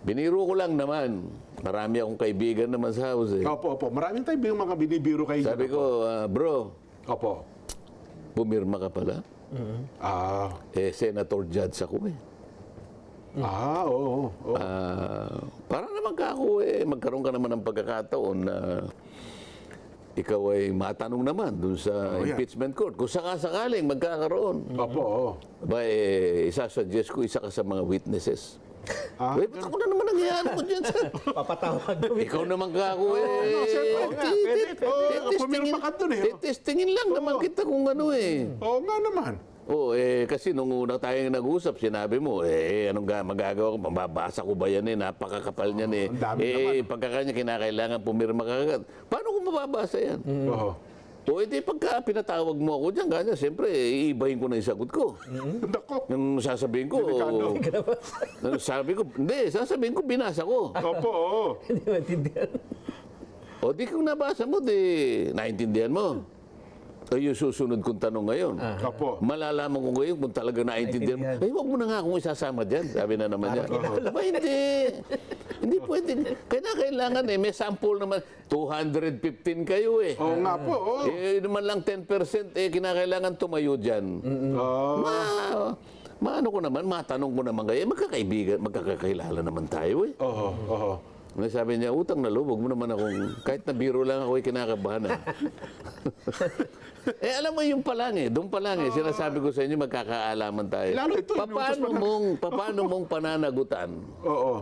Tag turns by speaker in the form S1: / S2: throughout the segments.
S1: Biniro ko lang naman. Marami akong kaibigan naman sa house eh.
S2: Opo, opo. Maraming tayo mga binibiro kayo.
S1: Sabi ko, bro,
S2: Opo.
S1: pumirma ka pala.
S2: Ah,
S1: Senator Judge ako eh.
S2: oo. Oo.
S1: Para naman ka ako magkaroon ka naman ng pagkakataon na ikaw ay matanong naman dun sa
S2: yan.
S1: impeachment court. Kung sakasakaling magkakaroon.
S2: Opo, oo.
S1: Ba, isasuggest ko isa ka sa mga witnesses. Ba't ako na naman nangyayari ko dyan, sir?
S3: Papatawag.
S1: Ikaw naman ka ako
S2: sir, oo nga. Pumirma ka dun eh.
S1: Testingin lang naman kita kung ano eh.
S2: Oo nga naman.
S1: Kasi nung una tayong nag-usap, sinabi mo, anong magagawa ko? Mababasa ko ba yan eh? Napakakapal niyan eh.
S2: ang dami naman.
S1: Pagkakanya kinakailangan pumirma ka agad. Paano ko mababasa yan?
S2: Oo.
S1: Pagka pinatawag mo ako dyan, ganyan, siyempre, iibahin ko na yung sagot ko.
S2: Nako.
S1: Nung sasabihin ko, sasabihin ko, binasa ko.
S2: Opo, oo.
S3: Hindi maintindihan.
S1: Di kung nabasa mo, naintindihan mo. Yung susunod kong tanong ngayon.
S2: Opo.
S1: Malalaman ko ngayon kung talaga naintindihan mo. Huwag mo na nga akong isasama dyan. Sabi na naman niya. Hindi. Hindi pwede. Kailangan may sample naman. 215 kayo eh.
S2: Oo nga po, oo.
S1: Naman lang 10% kinakailangan tumayo dyan. Maano ko naman, matanong ko naman kayo. Magkakaibigan, magkakakilala naman tayo eh.
S2: Oo, oo.
S1: Sabi niya, utang na loob, huwag mo naman akong, kahit na biro lang ako, kinakabahan. Alam mo yung pa lang doon pa lang sinasabi ko sa inyo, magkakaalaman tayo.
S2: Lalo ito,
S1: Paano mong pananagutan?
S2: Oo.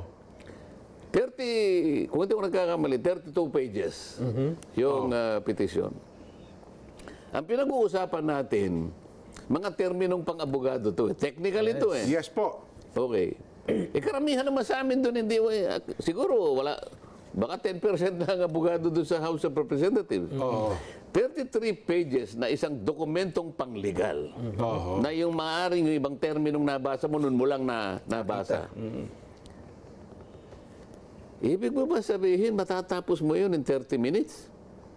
S1: 30, kung hindi ko nagkakamali, 32 pages yung petition. Ang pinag-uusapan natin, mga terminong pang-abogado to. Technical ito eh.
S2: Yes po.
S1: Okay. Karamihan naman sa amin doon, hindi, siguro wala, baka 10% na ang abogado doon sa House of Representatives. 33 pages na isang dokumentong panglegal. Na yung maaaring yung ibang terminong nabasa mo, nun mo lang nabasa. Ibig mo ba sabihin, matatapos mo yun in 30 minutes?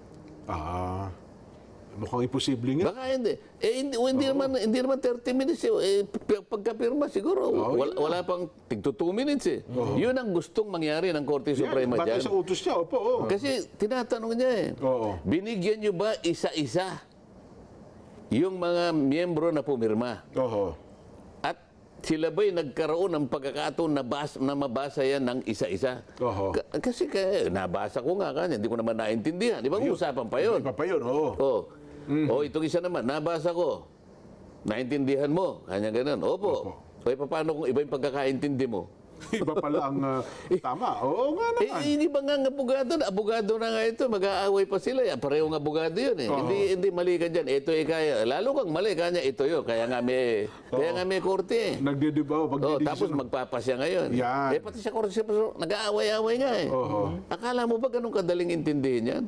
S2: Mukhang imposible nga.
S1: Baka hindi. Hindi naman 30 minutes. Pagkapirma siguro, wala pang tigto 2 minutes eh. Yun ang gustong mangyari ng Korte Suprema
S2: Batay
S1: dyan.
S2: sa utos niya, opo. Oo.
S1: Kasi tinatanong niya binigyan niyo ba isa-isa yung mga miyembro na pumirma?
S2: Oo.
S1: At sila ba'y nagkaroon ng pagkakataon na mabasa yan ng isa-isa? Kasi nabasa ko nga kanya, hindi ko naman naintindihan. Di ba usapan pa yun?
S2: Iba pa yun, oo.
S1: Itong isa naman, nabasa ko. Naintindihan mo? Kanya ganun. Opo. Paano kung iba yung pagkakaintindi mo?
S2: Iba pala ang tama. Oo nga naman.
S1: Hindi ba nga abogado na nga ito, mag-aaway pa sila. Pareho ng abogado yun eh. Hindi mali ka dyan. Ito kaya. Lalo kang mali, kanya ito yun. Kaya nga may korte eh.
S2: Nagdidibaw.
S1: Tapos magpapasya ngayon.
S2: Yan.
S1: Pati sa korte, nag-aaway-aaway nga eh. Akala mo ba ganun kadaling intindihin yan?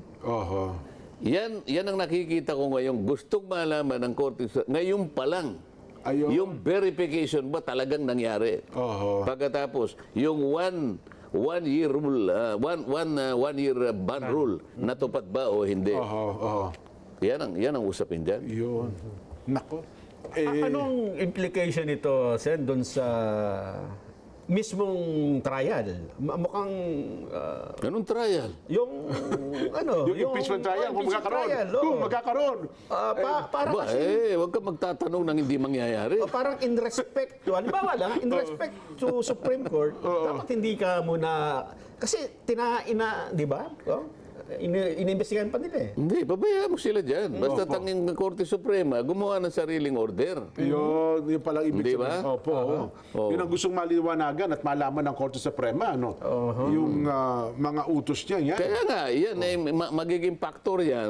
S1: Yan ang nakikita ko ngayon. Gustong malaman ng korte ngayon pa lang. Yung verification ba talagang nangyari? Pagkatapos, yung one year rule, one year ban rule, natupad ba o hindi? Yan ang usapin dyan.
S2: Yun. Nako.
S3: Anong implication nito, Sen, doon sa mismong trial? Mukhang
S1: Anong trial?
S3: yung
S2: Yung impeachment trial, kung magkakaroon. Kung magkakaroon.
S3: Para kasi
S1: Huwag ka magtatanong ng hindi mangyayari.
S3: parang in respect to, halimbawa lang, in respect to Supreme Court, dapat hindi ka muna, kasi di ba? Inimbestigahan pa nila eh.
S1: Hindi, pabayaan mo sila dyan. Basta tanging Korte Suprema, gumawa ng sariling order.
S2: Yun palang ibig
S1: Hindi
S2: sabihin.
S1: ba?
S2: Opo. Yun ang gustong maliwanagan at malaman ng Korte Suprema. Yung mga utos niya. Yan.
S1: Kaya nga, yan magiging factor yan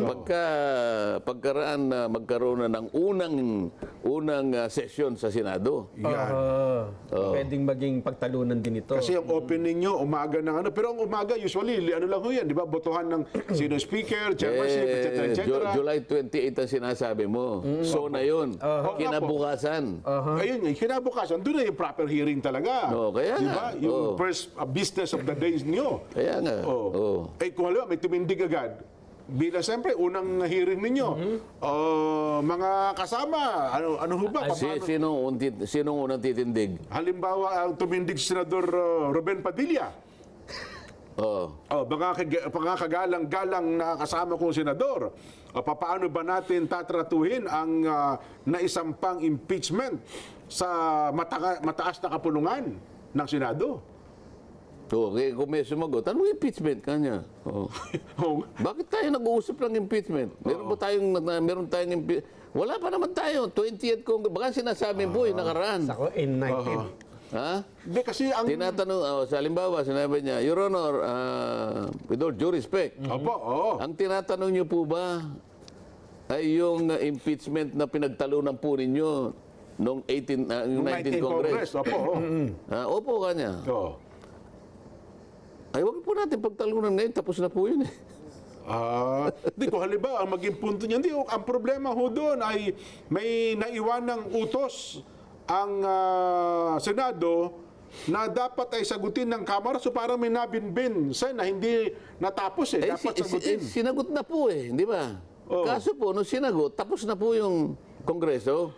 S1: pagkaraan na magkaroon na ng unang session sa Senado.
S2: Yan.
S3: Pwedeng maging pagtalunan din ito.
S2: Kasi ang opening nyo, umaga ng pero ang umaga, usually, ano lang ho yan, di ba? Botohan ng sino speaker, chairmanship, etc.
S1: July 28 ang sinasabi mo. So na yun. Kinabukasan.
S2: Ayun nga, kinabukasan, doon na yung proper hearing talaga.
S1: Kaya
S2: di
S1: nga.
S2: ba? Yung first business of the day nyo.
S1: Kaya nga.
S2: Kung halimbawa, may tumindig agad, bilang siyempre, unang hearing ninyo, mga kasama, ano ho ba?
S1: Sinong unang titindig?
S2: Halimbawa, ang tumindig si Senador Ruben Padilla.
S1: Oh.
S2: Mga kagalang-galang na kasama kong senador. Paano ba natin tatratuhin ang naisampang impeachment sa mataas na kapulungan ng Senado?
S1: Okay, kung may sumagot, anong impeachment kanya? Oh. Bakit tayo nag-uusap ng impeachment? Meron tayong impeachment? Wala pa naman tayo. 20th Congress. Baka sinasabi po, nakaraan.
S3: Ako, in 19.
S1: Ha?
S2: Hindi, kasi ang...
S1: Tinatanong, sa halimbawa, sinabi niya, Your Honor, with all due respect, ang tinatanong niyo po ba ay yung impeachment na pinagtalunan po ninyo noong 19 Congress?
S2: Opo.
S1: Opo kanya.
S2: Oo.
S1: Ay, wag po natin pagtalunan ngayon, tapos na po yun eh.
S2: Di ko halimbawa, ang maging punto niya, ang problema ho doon ay may naiwanang utos ang Senado na dapat ay sagutin ng Kamara, so parang may nabinbin na hindi natapos dapat sagutin.
S1: Sinagot na po di ba? Kaso po, nung sinagot, tapos na po yung Kongreso.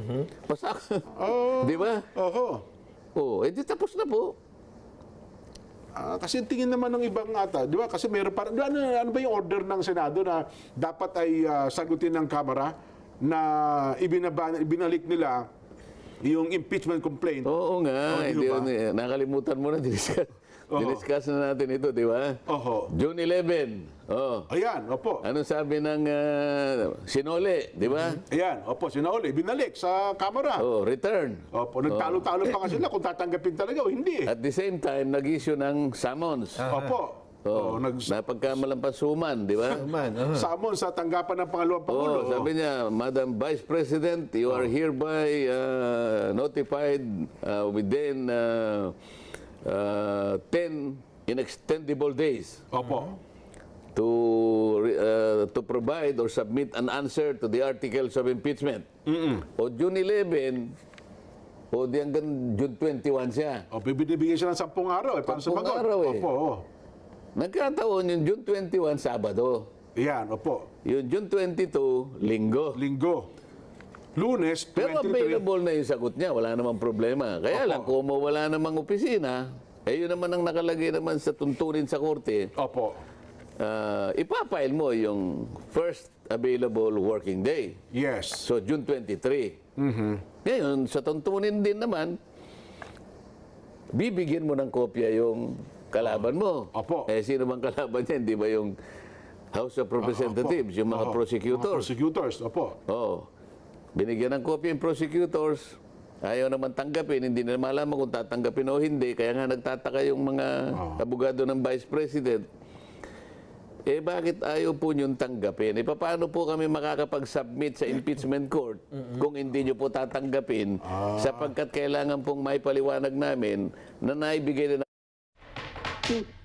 S1: Di ba? Di tapos na po.
S2: Kasi tingin naman ng ibang ata, di ba? Kasi meron parang, ano ba yung order ng Senado na dapat ay sagutin ng Kamara na ibinalik nila yung impeachment complaint?
S1: Oo nga. Nakalimutan mo na, diniscuss na natin ito, di ba? June 11.
S2: Ayan, opo.
S1: Anong sabi ng Sinole, di ba?
S2: Ayan, opo, Sinole, binalik sa Kamara.
S1: Return.
S2: Opo, nagtalo-talo pa nga sila kung tatanggapin talaga o hindi.
S1: At the same time, nag-issue ng summons.
S2: Opo.
S1: Napagkamalampasuman, di ba?
S2: Summon sa tanggapan ng pangalawang Pangulo.
S1: Sabi niya, Madam Vice President, you are hereby notified within 10 inextendable days to provide or submit an answer to the articles of impeachment. O June 11, di hanggang June 21 siya.
S2: Bibigyan siya ng 10 araw para
S1: 10
S2: sumagot.
S1: araw
S2: Opo.
S1: Nagkataon yung June 21, Sabado.
S2: Yan, opo.
S1: Yung June 22, Linggo.
S2: Lunes, 23.
S1: Pero available na yung sagot niya, wala namang problema. Kaya lang, kung wala namang opisina, yun naman ang nakalagay naman sa tuntunin sa korte.
S2: Opo.
S1: Ipapile mo yung first available working day.
S2: Yes.
S1: So, June 23. Ngayon, sa tuntunin din naman, bibigyan mo ng kopya yung kalaban mo.
S2: Opo.
S1: Sino bang kalaban niya? Hindi ba yung House of Representatives, yung mga prosecutors?
S2: Mga prosecutors, opo.
S1: Binigyan ng kopya yung prosecutors. Ayaw naman tanggapin, hindi na malaman kung tatanggapin o hindi. Kaya nga nagtataka yung mga abogado ng Vice President. Bakit ayaw po niyong tanggapin? Paano po kami makakapag-submit sa impeachment court kung hindi niyo po tatanggapin sapagkat kailangan pong may paliwanag namin na naibigay na